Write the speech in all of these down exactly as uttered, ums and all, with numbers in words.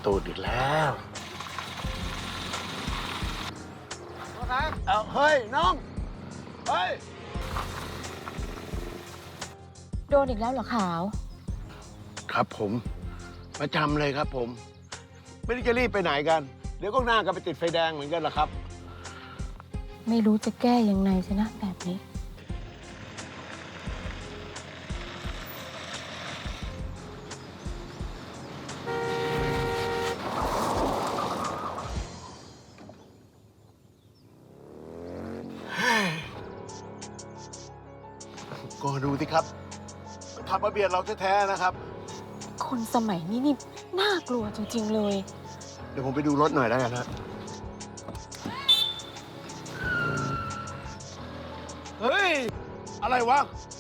ตูดอีกแล้วเอาเฮ้ย น้อง เฮ้ยโดนอีกแล้วเหรอขาวครับผม ประจำเลยครับผม ไม่ได้จะรีบไปไหนกัน เดี๋ยวก็หน้ากันไปติดไฟแดงเหมือนกันล่ะครับไม่รู้จะแก้ยังไงสินะแบบนี้ก็ดูสิครับขับมาเบียดเราแท้ๆนะครับคนสมัยนี้นี่น่ากลัวจริง ๆ เลยเดี๋ยวผมไปดูรถหน่อยแล้วกันนะเฮ้ย อะไรวะ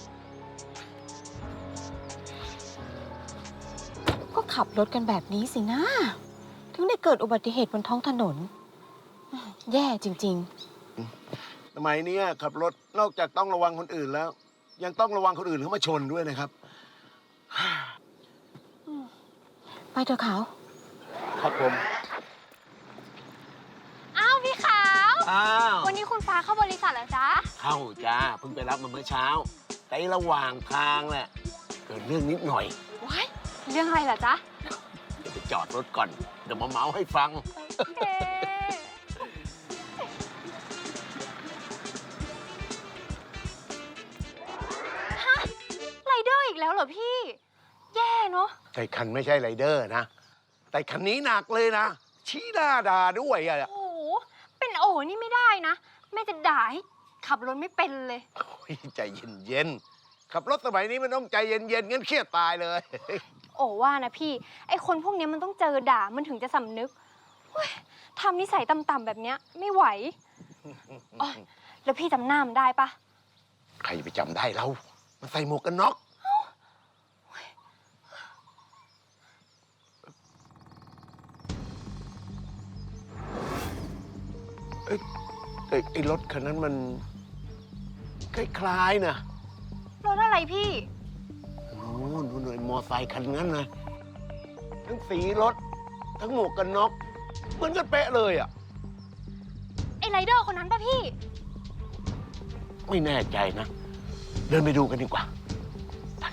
ก็ขับรถกันแบบนี้สินะ ถึงได้เกิดอุบัติเหตุบนท้องถนน แย่จริงสมัยนี้ขับรถนอกจากต้องระวังคนอื่นแล้ว ยังต้องระวังคนอื่นเข้ามาชนด้วยนะครับๆ ไปเถอะขาวครับผมอ้าวพี่ขาวอ้าววันนี้คุณฟ้าเข้าบริษัทเหรอจ๊ะเข้าจ้าเพิ่งไปรับมาเมื่อเช้า แต่ระหว่างทางแหละเกิดเรื่องนิดหน่อยว้ายเรื่องอะไรเหรอจ๊ะเดี๋ยวไปจอดรถก่อน เดี๋ยวมาเมาให้ฟังเอ๊ะฮะไรเดอร์อีกแล้วเหรอพี่ แย่เนอะแต่คันไม่ใช่ไรเดอร์นะ แต่คันนี้หนักเลยนะ ชี้หน้าด่าด้วยอะโอ้โห เป็นโอ๋นี่ไม่ได้นะ แม่จะด่าให้ขับรถไม่เป็นเลยโอ้ยใจเย็นๆ ขับรถสมัยนี้มันต้องใจเย็นๆงั้นเครียดตายเลยโอ๋ว่านะพี่ ไอคนพวกนี้มันต้องเจอด่ามันถึงจะสำนึกเฮ้ยทำนิสัยต่ำๆแบบเนี้ยไม่ไหวอ๋อแล้วพี่จำหน้ามันได้ปะใครจะไปจำได้เรา มันใส่หมวกกันน็อกเอ้ยไอ้ไอ้รถคันนั้นมันคล้ายๆนะรถอะไรพี่โอ้โหดูหน่อยมอไซค์คันนั้นนะทั้งสีรถ ทั้งหมวกกันน็อกเหมือนกันเป๊ะเลยอ่ะไอไรเดอร์คนนั้นปะพี่ไม่แน่ใจนะ เดินไปดูกันดีกว่าไป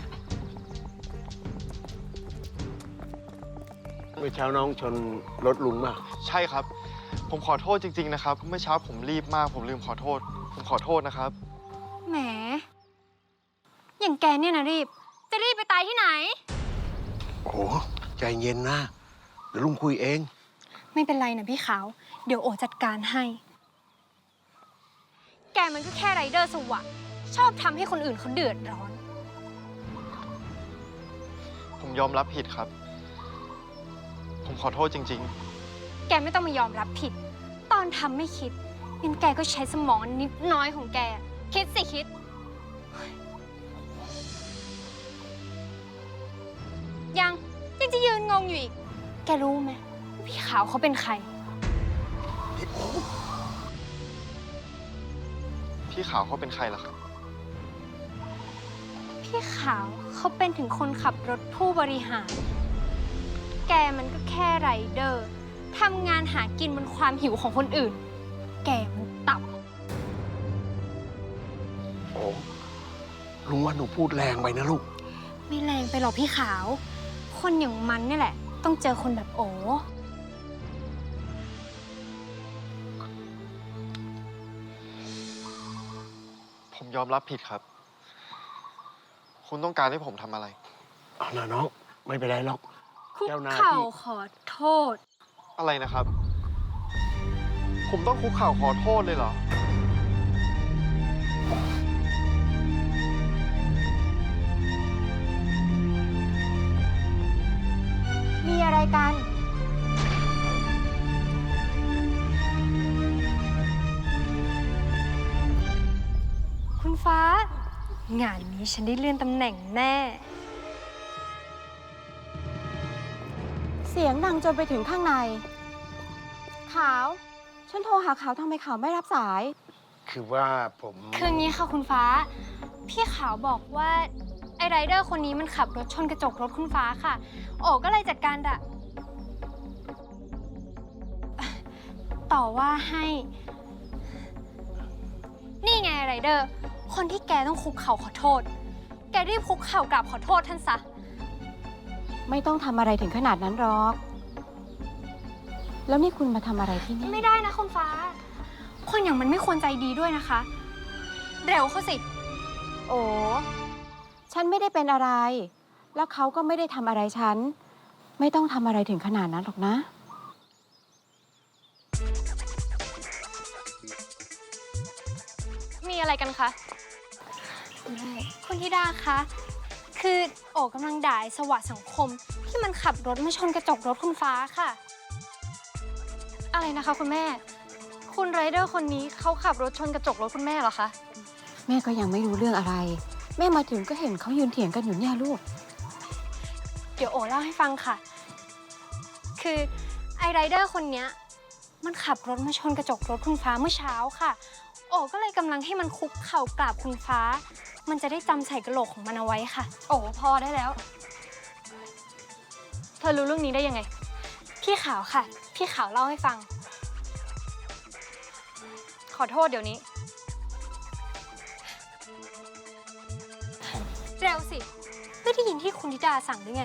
เมื่อเช้าน้องชนรถลุงมาใช่ครับ ผมขอโทษจริง ๆ นะครับ เมื่อเช้าผมรีบมาก ผมลืมขอโทษ ผมขอโทษนะครับแหม อย่างแกเนี่ยนะรีบ จะรีบไปตายที่ไหนโอ้โหใจเย็นนะ เดี๋ยวลุงคุยเองไม่เป็นไรนะพี่ขาว เดี๋ยวโอจัดการให้ แกมันก็แค่ไรเดอร์สวะ ชอบทำให้คนอื่นเขาเดือดร้อนผมยอมรับผิดครับ ผมขอโทษจริงแกไม่ต้องมายอมรับผิด ตอนทำไม่คิดงั้นแกก็ใช้สมองนิดน้อยของแก คิดสิคิด ยังยังจะยืนงงอยู่อีก แกรู้ไหมว่าพี่ขาวเขาเป็นใครๆ พี่ขาวเขาเป็นใครล่ะครับพี่ขาวเขาเป็นถึงคนขับรถผู้บริหาร แกมันก็แค่ไรเดอร์ทำงานหากินบนความหิวของคนอื่น แกมันต่ำโอ้ลุงว่าหนูพูดแรงไปนะลูกไม่แรงไปหรอกพี่ขาว คนอย่างมันนี่แหละ ต้องเจอคนแบบโอผมยอมรับผิดครับ คุณต้องการให้ผมทำอะไรเอานะน้อง ไม่เป็นไรหรอกคุกเจ้าหน้าที่เข่าขอโทษอะไรนะครับ ผมต้องคุกเข่าขอโทษเลยเหรอมีอะไรกันคุณฟ้า งานนี้ฉันได้เลื่อนตำแหน่งแน่เสียงดังจนไปถึงข้างใน ขาว ฉันโทรหาขาวทำไมขาวไม่รับสายคือว่าผมคืองี้ค่ะคุณฟ้า พี่ขาวบอกว่า ไอ้ไรเดอร์คนนี้มันขับรถชนกระจกรถคุณฟ้าค่ะ โอ๋ก็เลยจัดการด่ะต่อว่าให้ นี่ไงไรเดอร์ คนที่แกต้องคุกเข่าขอโทษ แกรีบคุกเข่ากราบขอโทษท่านซะไม่ต้องทำอะไรถึงขนาดนั้นหรอก แล้วนี่คุณมาทำอะไรที่นี่ไม่ได้นะคุณฟ้า คนอย่างมันไม่ควรใจดีด้วยนะคะ เร็วเข้าสิโอ้ฉันไม่ได้เป็นอะไร แล้วเขาก็ไม่ได้ทำอะไรฉัน ไม่ต้องทำอะไรถึงขนาดนั้นหรอกนะมีอะไรกันคะ คุณธิดาคะ คือโอ๋กำลังด่าไอ้สวะสังคมที่มันขับรถมาชนกระจกรถคุณฟ้าค่ะ อะไรนะคะคุณแม่ คุณไรเดอร์คนนี้เขาขับรถชนกระจกรถคุณแม่เหรอคะแม่ก็ยังไม่รู้เรื่องอะไร แม่มาถึงก็เห็นเขายืนเถียงกันอยู่เนี่ยลูกเดี๋ยวโอ๋เล่าให้ฟังค่ะ คือไอไรเดอร์คนเนี้ยมันขับรถมาชนกระจกรถคุณฟ้าเมื่อเช้าค่ะ โอ๋ก็เลยกำลังให้มันคุกเข่ากราบคุณฟ้า มันจะได้จำใส่กระโหลกของมันเอาไว้ค่ะ โอ๋พอได้แล้ว เธอรู้เรื่องนี้ได้ยังไง พี่ขาวค่ะ พี่ขาวเล่าให้ฟัง ขอโทษเดี๋ยวนี้ เร็วสิ ไม่ได้ยินที่คุณธิดาสั่งหรือไง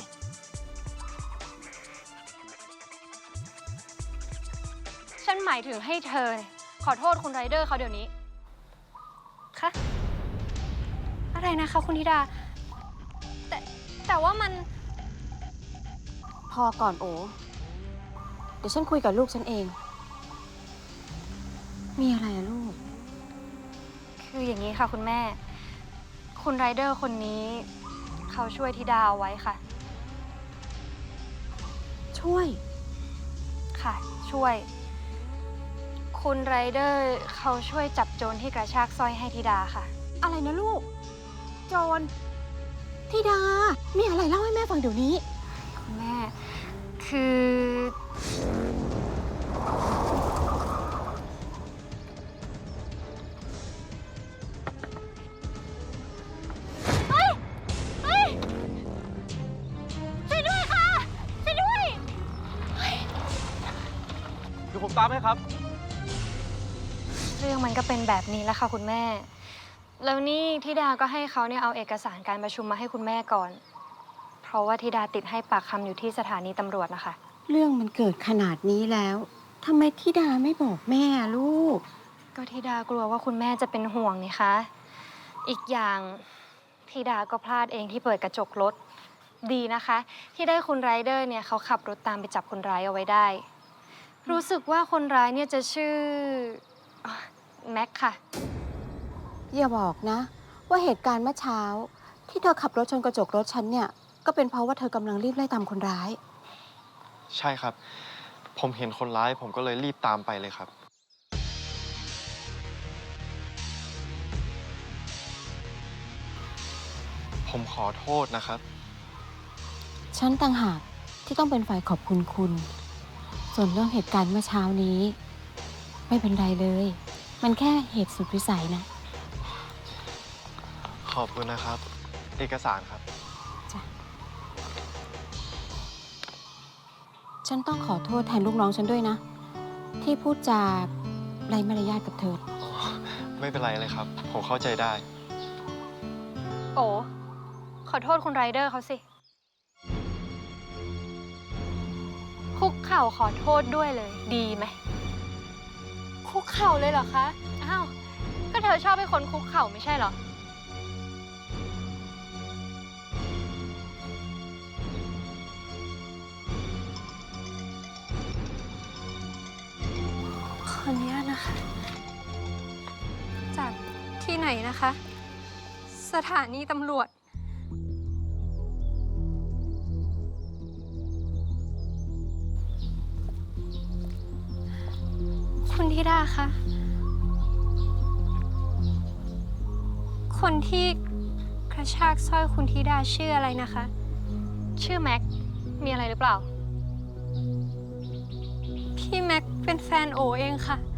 ฉันหมายถึงให้เธอขอโทษคุณไรเดอร์เขาเดี๋ยวนี้ คะ อะไรนะคะคุณธิดา แต่แต่ว่ามันพอก่อนโอ เดี๋ยวฉันคุยกับลูกฉันเอง มีอะไรอะลูกคืออย่างนี้ค่ะคุณแม่ คุณไรเดอร์คนนี้เขาช่วยธิดาเอาไว้ค่ะช่วยค่ะ ช่วย คุณไรเดอร์เขาช่วยจับโจรที่กระชากสร้อยให้ธิดาค่ะอะไรนะลูก โจรธิดา มีอะไรเล่าให้แม่ฟังเดี๋ยวนี้คุณแม่ คือ เฮ้ย เฮ้ย ช่วยด้วยค่ะ ช่วยด้วยเดี๋ยวผมตามให้ครับเรื่องมันก็เป็นแบบนี้แล้วค่ะคุณแม่ แล้วนี่ธิดาก็ให้เขาเนี่ยเอาเอกสารการประชุมมาให้คุณแม่ก่อน เพราะว่าธิดาติดให้ปากคำอยู่ที่สถานีตำรวจนะคะเรื่องมันเกิดขนาดนี้แล้วทำไมธิดาไม่บอกแม่ลูกก็ธิดากลัวว่าคุณแม่จะเป็นห่วงนี่คะ อีกอย่างธิดาก็พลาดเองที่เปิดกระจกรถ ดีนะคะ ที่ได้คุณไรเดอร์เนี่ยเขาขับรถตามไปจับคนร้ายเอาไว้ได้ รู้สึกว่าคนร้ายเนี่ยจะชื่ออ่ะแม็กค่ะอย่าบอกนะ ว่าเหตุการณ์เมื่อเช้า ที่เธอขับรถชนกระจกรถฉันเนี่ย ก็เป็นเพราะว่าเธอกำลังรีบไล่ตามคนร้ายใช่ครับ ผมเห็นคนร้ายผมก็เลยรีบตามไปเลยครับ ผมขอโทษนะครับฉันต่างหากที่ต้องเป็นฝ่ายขอบคุณคุณ ส่วนเรื่องเหตุการณ์เมื่อเช้านี้ ไม่เป็นไรเลย มันแค่เหตุสุดวิสัยนะขอบคุณนะครับ เอกสารครับจ้ะ ฉันต้องขอโทษแทนลูกน้องฉันด้วยนะ ที่พูดจาไร้มารยาทกับเธอไม่เป็นไรเลยครับ ผมเข้าใจได้โอ้ขอโทษคุณไรเดอร์เขาสิ คุกเข่าขอโทษด้วยเลย ดีไหม คุกเข่าเลยเหรอคะ อ้าว ก็เธอชอบให้คนคุกเข่าไม่ใช่เหรอ ขออนุญาตนะคะ จากที่ไหนนะคะ สถานีตำรวจ คุณธิดาคะ คนที่กระชากสร้อยคุณธิดาชื่ออะไรนะคะ ชื่อแม็ก มีอะไรหรือเปล่า พี่แม็กเป็นแฟนโอเองค่ะ